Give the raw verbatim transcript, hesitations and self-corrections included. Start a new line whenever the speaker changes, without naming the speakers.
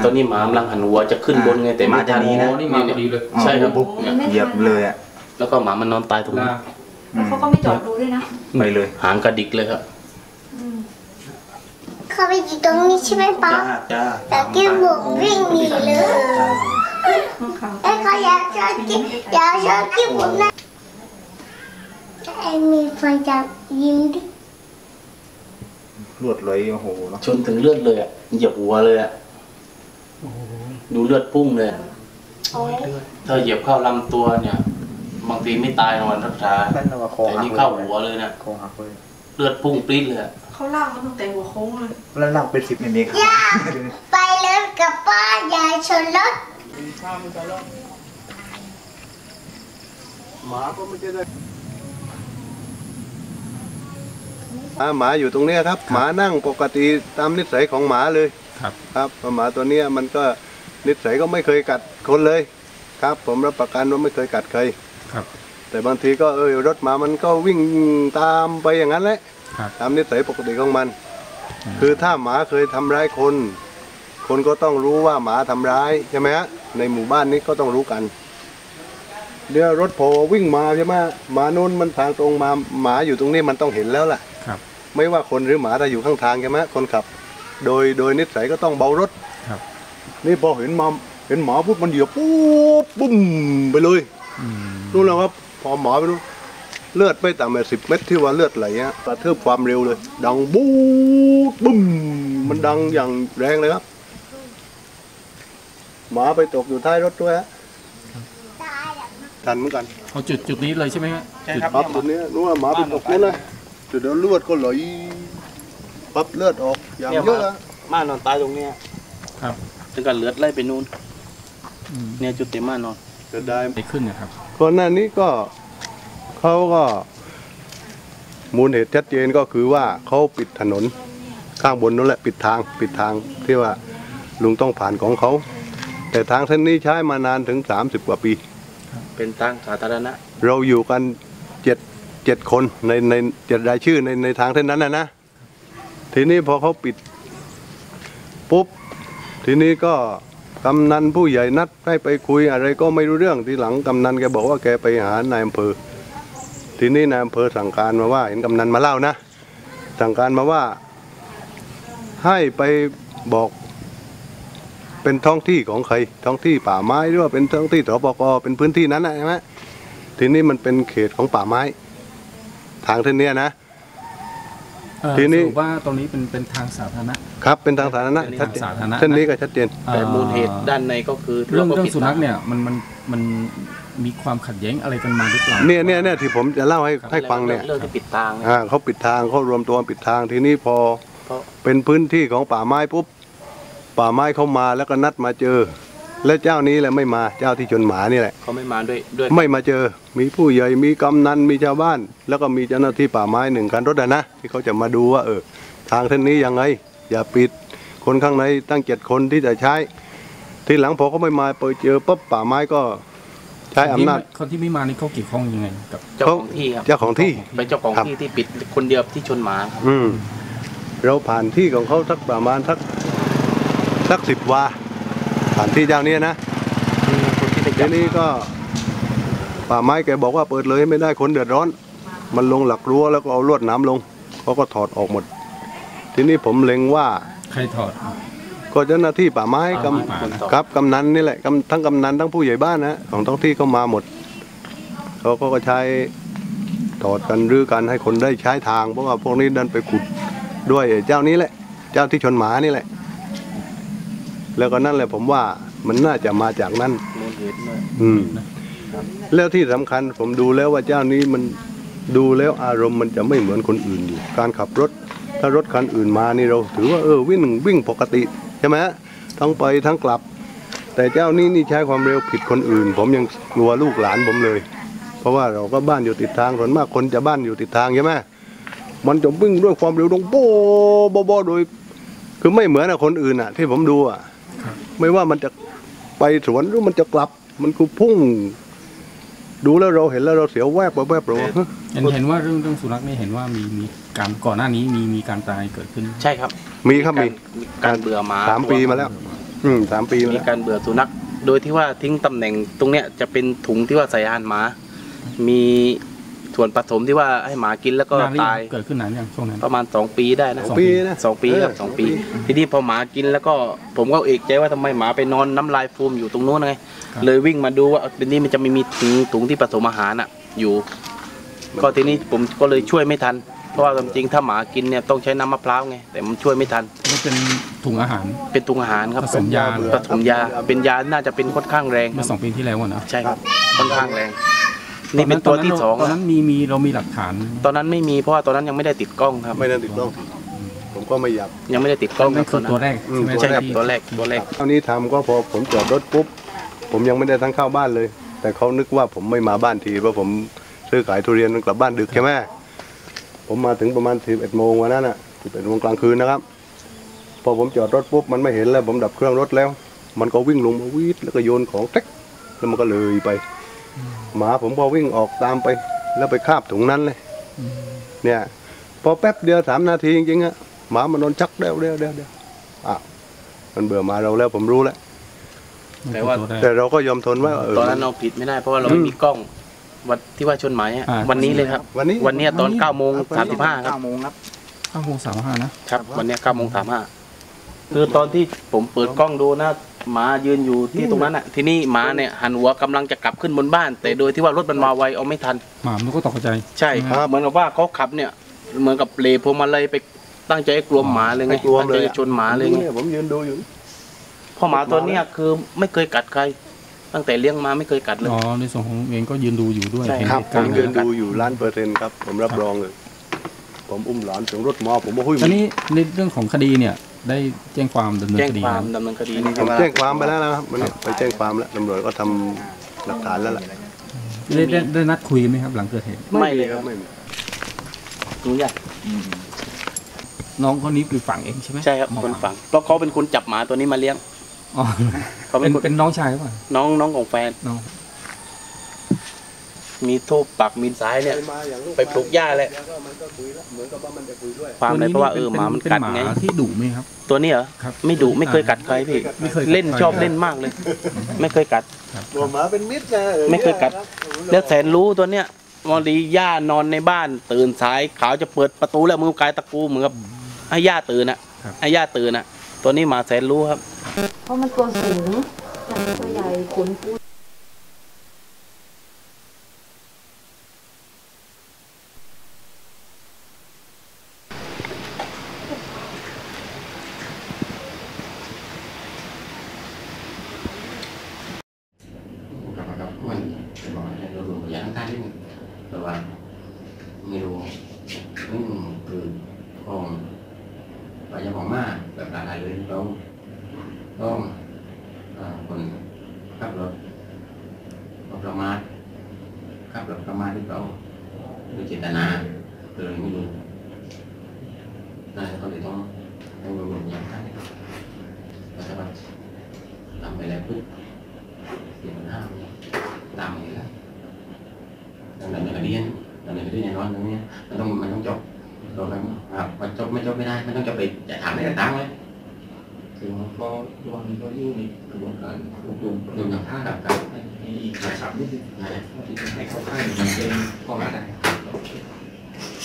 ตอนนี้หมากำลังหันหัวจะขึ้นบนไงแต่ไม่ทันนี่มาดีเลยใช่ครับปุ๊บ
เหยียบเลยอ่ะ
แล้วก็หมามันนอนตายตรงนี้
แล้วเขาก็ไม่จอดดูด้วยนะ
ไปเลยหางกระดิกเลยครับ
เขาไปอยู่ตรงนี้ใช่ไหมป๊าแต่กี้บุกวิ่งหนีเลยไอ้เขาอยากชอบกี้อยากชอบกี้บุกนะไอ้มีฟันจับยิ้มดิ
เลือดเลยโอ้โห
ชนถึงเลือดเลยอ่ะเหยียบหัวเลยอ่ะดูเลือดพุ่งเลยถ้าเหยียบเข้าลำตัวเนี่ยบางทีไม่ตายนอนรักษาแต่นี่เข้าหัวเลยนะเลือดพุ่งปรี๊ดเลย
เขาลากมันตั้งแต่หัวโค้งเลย
แล้วลากเป็นสิบเมตร
ย่าไปเลยกับป้าอย่าชนรถ
หมาก็ไม่ได้หมาอยู่ตรงนี้ครับหมานั่งปกติตามนิสัยของหมาเลยครับครับหมาตัวนี้มันก็นิสัยก็ไม่เคยกัดคนเลยครับผมรับประกันว่าไม่เคยกัดใครครับแต่บางทีก็เออรถหมามันก็วิ่งตามไปอย่างนั้นแหละตามนิสัยปกติของมันคือถ้าหมาเคยทำร้ายคนคนก็ต้องรู้ว่าหมาทำร้ายใช่ไหมฮะในหมู่บ้านนี้ก็ต้องรู้กันเดี๋ยวรถพอวิ่งมาใช่ไหมหมาโน้นมันทางตรงมาหมาอยู่ตรงนี้มันต้องเห็นแล้วล่ะไม่ว่าคนหรือหมาถ้าอยู่ข้างทางใช่ไหมคนขับโดยโดยนิสัยก็ต้องเบารถนี่พอเห็นมาเห็นหมาปุ๊บมันเหยียบปุ๊บปุ้มไปเลยรู้แล้วครับพอหมาไปรู้เลือดไม่ต่ำกว่าสิบเมตรที่ว่าเลือดไหลฮะกระเทืบความเร็วเลยดังบู๊ดบุ้มมันดังอย่างแรงเลยครับหมาไปตกอยู่ท้ายรถด้วยฮะทันเหมือนกัน
เอาจุดจุดนี้เลยใช่ไหมครับ
ใช่ครับจุดนี้รู้ว่าหมาไปตกนี่เลยจุดเดียวเลือดก็ไหลปั๊บเลือดออกอย่างเยอะอะ
ม่านอนตายตรงนี้ครับถึงกับเลือดไหลไปนู่นเนี่ยจุดเต็มม่านอน
จะได้
ไปขึ้นนะครับ
ก่อนหน้านี้ก็เขาก็มูลเหตุชัดเจนก็คือว่าเขาปิดถนนข้างบนนั่นแหละปิดทางปิดทางที่ว่าลุงต้องผ่านของเขาแต่ทางเส้นนี้ใช้มานานถึงสามสิบกว่าปี
เป็นทางสาธารณะ
เราอยู่กันเจ็ดเจ็ดคนในในเจ็ดรายชื่อในในทางเส้นนั้นนะนะทีนี้พอเขาปิดปุ๊บทีนี้ก็กำนันผู้ใหญ่นัดให้ไปคุยอะไรก็ไม่รู้เรื่องทีหลังกำนันแกบอกว่าแกไปหานายอำเภอทีนี้นายอำเภอสั่งการมาว่าเห็นกำนันมาเล่านะสั่งการมาว่าให้ไปบอกเป็นท้องที่ของใครท้องที่ป่าไม้หรือว่าเป็นท้องที่สปกเป็นพื้นที่นั้นใช่ไหมทีนี้มันเป็นเขตของป่าไม้ทางเส้นนี้นะ
ทีนี้ว่าตรงนี้เป็นเป็นทางสาธารณะ
ครับเป็นทางสาธารณะชัดเจนเส้นนี้ก็ชัดเจน
แต่มูลเหตุด้านในก็คือ
เรื่องเรื่องสุนัขเนี่ยมันมันมันมีความขัดแย้งอะไรกันมาหรือเปล่า
เนี่ยเนี่ยเนี่ยที่ผมจะเล่าให้ให้ฟังเนี่ย
เรื่องที่ปิดทาง
อ่าเขาปิดทางเขารวมตัวปิดทางทีนี้พอเป็นพื้นที่ของป่าไม้ปุ๊บป่าไม้เข้ามาแล้วก็นัดมาเจอและเจ้านี้แหละไม่มาเจ้าที่ชนหมานี่แหละ
เขาไม่มาด้วยด้วย
ไม่มาเจอมีผู้ใหญ่มีกำนันมีชาวบ้านแล้วก็มีเจ้าหน้าที่ป่าไม้หนึ่งคันรถนะที่เขาจะมาดูว่าเออทางเส้นนี้ยังไงอย่าปิดคนข้างในตั้งเจ็ดคนที่จะใช้ทีหลังพอเขาไม่มาไปเจอปุ๊บป่าไม้ก็ใช้อำนาจ
คนที่ไม่มานี่เขาเกี่ยวข้องยังไงกับ
เจ้าของที่ครับ
เจ้าของที่
เป็นเจ้าของที่ที่ปิดคนเดียวที่ชนหมา
อืมเราผ่านที่ของเขาสักประมาณสักสักสิบวาผ่านที่เจ้านี้นะทีนี้ก็ป่าไม้แกบอกว่าเปิดเลยไม่ได้คนเดือดร้อนมันลงหลักรั้วแล้วก็เอาลวดน้ำลงเขาก็ถอดออกหมดทีนี้ผมเล็งว่า
ใครถอด
ก็เจ้าหน้าที่ป่าไม้กำกับกำนันนี่แหละทั้งกำนันทั้งผู้ใหญ่บ้านนะของท้องที่เข้ามาหมดเขาก็ใช้ถอดกันหรือกันให้คนได้ใช้ทางเพราะว่าพวกนี้ดันไปขุดด้วยเจ้านี้แหละเจ้าที่ชนหมานี่แหละแล้วก็นั่นแหละผมว่ามันน่าจะมาจากนั้นอืมแล้วที่สำคัญผมดูแล้วว่าเจ้านี้มันดูแล้วอารมณ์มันจะไม่เหมือนคนอื่นอยู่การขับรถถ้ารถคันอื่นมานี่เราถือว่าเออวิ่งวิ่งปกติใช่ไหมทั้งไปทั้งกลับแต่เจ้านี้นี่ใช้ความเร็วผิดคนอื่นผมยังกลัวลูกหลานผมเลยเพราะว่าเราก็บ้านอยู่ติดทางส่วนมากคนจะบ้านอยู่ติดทางใช่ไหมมันจะวิ่งด้วยความเร็วตรงโบ๊ะโบ๊ะโบ๊ะโดยคือไม่เหมือนคนอื่นอ่ะที่ผมดูอ่ะไม่ว่ามันจะไปสวนหรือมันจะกลับมันคือพุ่งดูแล้วเราเห็นแล้วเราเสียวแวบแวบเรา
เห็นเห็นว่าเรื่องเรื่องสุนัขนี่เห็นว่ามีมีการก่อนหน้านี้มีมีการตายเกิดขึ้น
ใช่ครับ
มีครับมี
การเบื่อหมา
สามปีมาแล้วอืมสามปีมา
มี
แล้ว
การเบื่อสุนัขโดยที่ว่าทิ้งตำแหน่งตรงเนี้ยจะเป็นถุงที่ว่าใส่อาหารหมา มีส่วนผสมที่ว่าให้หมากินแล้วก็
นานหรือ
ตาย
งเกิดขึ้นนานยังช่วงนั้น
ประมาณสองปีได้นะ
สองปีนะ
สองปีครับ
เออ
สองปี
สองปี
ทีนี้พอหมากินแล้วก็ผมก็เอกใจว่าทำไมหมาไปนอนน้ำลายฟูมอยู่ตรงโน้นไง
ครับ
เลยวิ่งมาดูว่าเป็นนี้มันจะไม่มีถุงถุงที่ผสมอาหารอ่ะอยู่ ก็ทีนี้ผมก็เลยช่วยไม่ทัน เพราะว่าจริงๆถ้าหมากินเนี่ยต้องใช้น้ำมะพร้าวไงแต่มันช่วยไม่ทัน
มันเป็นถุงอาหาร
เป็นถุงอาหารครับ
ผสมยา
ผสมยาเป็นยาน่าจะเป็นค่อนข้างแรง
เมื่อสองปีที่แล้วอะนะ
ใช่ครับค่อนข้างแรง นี่เป็นตัวที่สอง
ตอนนั้นมีมีเรามีหลักฐาน
ตอนนั้นไม่มีเพราะว่าตอนนั้นยังไม่ได้ติดกล้องครับ
ไม่ได้ติดกล้องผมก็ไม่อยาก
ยังไม่ได้ติดกล้อง
นั่นคือตัวแรก
อืม
ใช่ไหม
ใช่ครับ
ที่
ตัวแรกตัวแรก
คราวนี้ทำก็พอผมจอดรถปุ๊บผมยังไม่ได้ทั้งเข้าบ้านเลย แต่เขานึกว่าผมไม่มาบ้านทีเพราะผมซื้อขายทุเรียนกลับบ้านดึกใช่ไหมผมมาถึงประมาณสิบเอ็ดโมงวันนั้นอ่ะสิบเอ็ดโมงกลางคืนนะครับ พอผมจอดรถปุ๊บมันไม่เห็นแล้วผมดับเครื่องรถแล้ว มันก็วิ่งลงมาวีดแล้วก็โยนของเท็กแล้วมันก็เลยไป หมาผมพอวิ่งออกตามไป แล้วไปคาบถุงนั้นเลยเนี่ยพอแป๊บเดียวสามนาทีจริงๆอะหมามันนอนชักเดียวเดียวเดียวเดียวอ้าวมันเบื่อหมาเราแล้วผมรู้แล้ว
แต่ว่า
ตัวแรก
แต่เราก็ยอมทนไว้ว่าเออ
ตอนนั้นเราผิดไม่ได้เพราะว่าเราไม่มีกล้องวันที่ว่าชนหมายอะ
อ่า
วันนี้เลยครับ
วันนี้
วันเนี้ยตอนเก้าโมงสามสิบห้าครับ
เก้าโมงครับ
ข้าวโพดสามห้านะครับ
วันเนี้ยเก้าโมงสามห้าคือตอนที่ผมเปิดกล้องดูนะหมายืนอยู่ที่ตรงนั้นอ่ะทีนี้หมาเนี่ยหันหัวกำลังจะกลับขึ้นบนบ้าน แต่โดยที่ว่ารถมันมาไวเอาไม่ทัน
หมามันก็ตกใจ
ใช่เหมือนกับว่าเขาขับเนี่ยเหมือนกับเลพวงมาลัยไปตั้งใจให้กลัวหมาเลยไง
ไม่กลัว
ตั้ง
เล
ใจ
ย
จะชนหมาเลยไง
นี่ผมยืนดูอยู่
เพราะหมาตัวเนี้ยคือไม่เคยกัดใคร ตั้งแต่เลี้ยงมาไม่เคยกัดเลย
อ๋อในส่วนของเองก็ยืนดูอยู่ด้วย
ใช่
เห็น
ครับ
เหตุ
ผ
การ
ม
ณ์
ยืนดูอยู่ล้านเปอร์เซ็นต์ครับผมรับรองเลย ผมอุ้มหลานถึงรถมอผมบอกหุ้ย
ตอนนี้ในเรื่องของคดีเนี่ยได้แจ้งความดำเนิน
แจ้ง
คดี
ความ
แล้ว
ดำเนินคดี
ผมแจ้งความไปแล้วนะครับมันไปแจ้งความแล้วตำรวจก็ทำหลักฐานแล้วแหละ
ได้ได้ได้นัดคุยไหมครับหลังเกิดเหตุ
ไม่เลยครับ
ไม่มี
รู้ยัง
น้องคนนี้คือฝั่งเองใช่ไหม
ใช่ครับคนฝังเพราะเขาเป็นคนจับหมาตัวนี้มาเลี้ยง
อ๋อ
เขาเป็
เป็น น
คน
เป็นน้องชายหรือเปล่า
น้องน้องของแฟน
น้อง
มีทูบปักมีสายเนี่ย ไปปลูกหญ้าแหละ
มันก็คุยแล้วเหมือนกับว่ามันจะคุยด้วย
ความเลยเพราะว่าเออหมามันกัดไง
เป็นหมาที่ดุไหมครับ
ตัวนี้เหรอ
ครับ
ไม่ดุไม่เคยกัดใครพี่
ไม่เคยกัด
เล่น
ใคร
ชอบเล่นมากเลย ไม่เคยกัด
ตัวหมาเป็นมิตรนะออ
ไม่เคยกัด
นี่
แล้วแสนรู้ตัวเนี้ยวันดีย่านอนในบ้าน ตื่นสายขาวจะเปิดประตูแล้วมือกายตะกูเหมือนกับให้ย่าตื่นอ่ะให้ย่าตื่นอ่ะ ตัวนี้หมาแสนรู้ครับ
เพราะมันตัวสูงตัวใหญ่ขนฟู
กับกับมันเป็นบอกให้เราดูอย่างท่านที่แต่ว่าไม่รู้นี่คือของไปยังของมาแบบหลายๆเลยเราต้องคนขับรถประมาทขับรถประมาทที่เราโดยเจตนาเลยไม่รู้นั่นก็เลยต้องต้องดูอย่างท่านแต่ว่าทำไปแล้วปุ๊บเสียมันห้ามตามอย่างนี้แล้วดังนั้นอย่างเรียนดังนั้นเรียนอย่างน้อยอย่างนี้มันต้องมันต้องจบเราต้องมันจบไม่จบไม่ได้มันต้องจบไปจะถามได้แต่ตั้งเลยคือมันก็ระวังก็ยุ่งในกระบวนการรวบรวมรวมอย่างท่าดับกันอีกหลายสามนิดนึงนะที่ให้เข้าค่ายมันเป็นข้อหาใด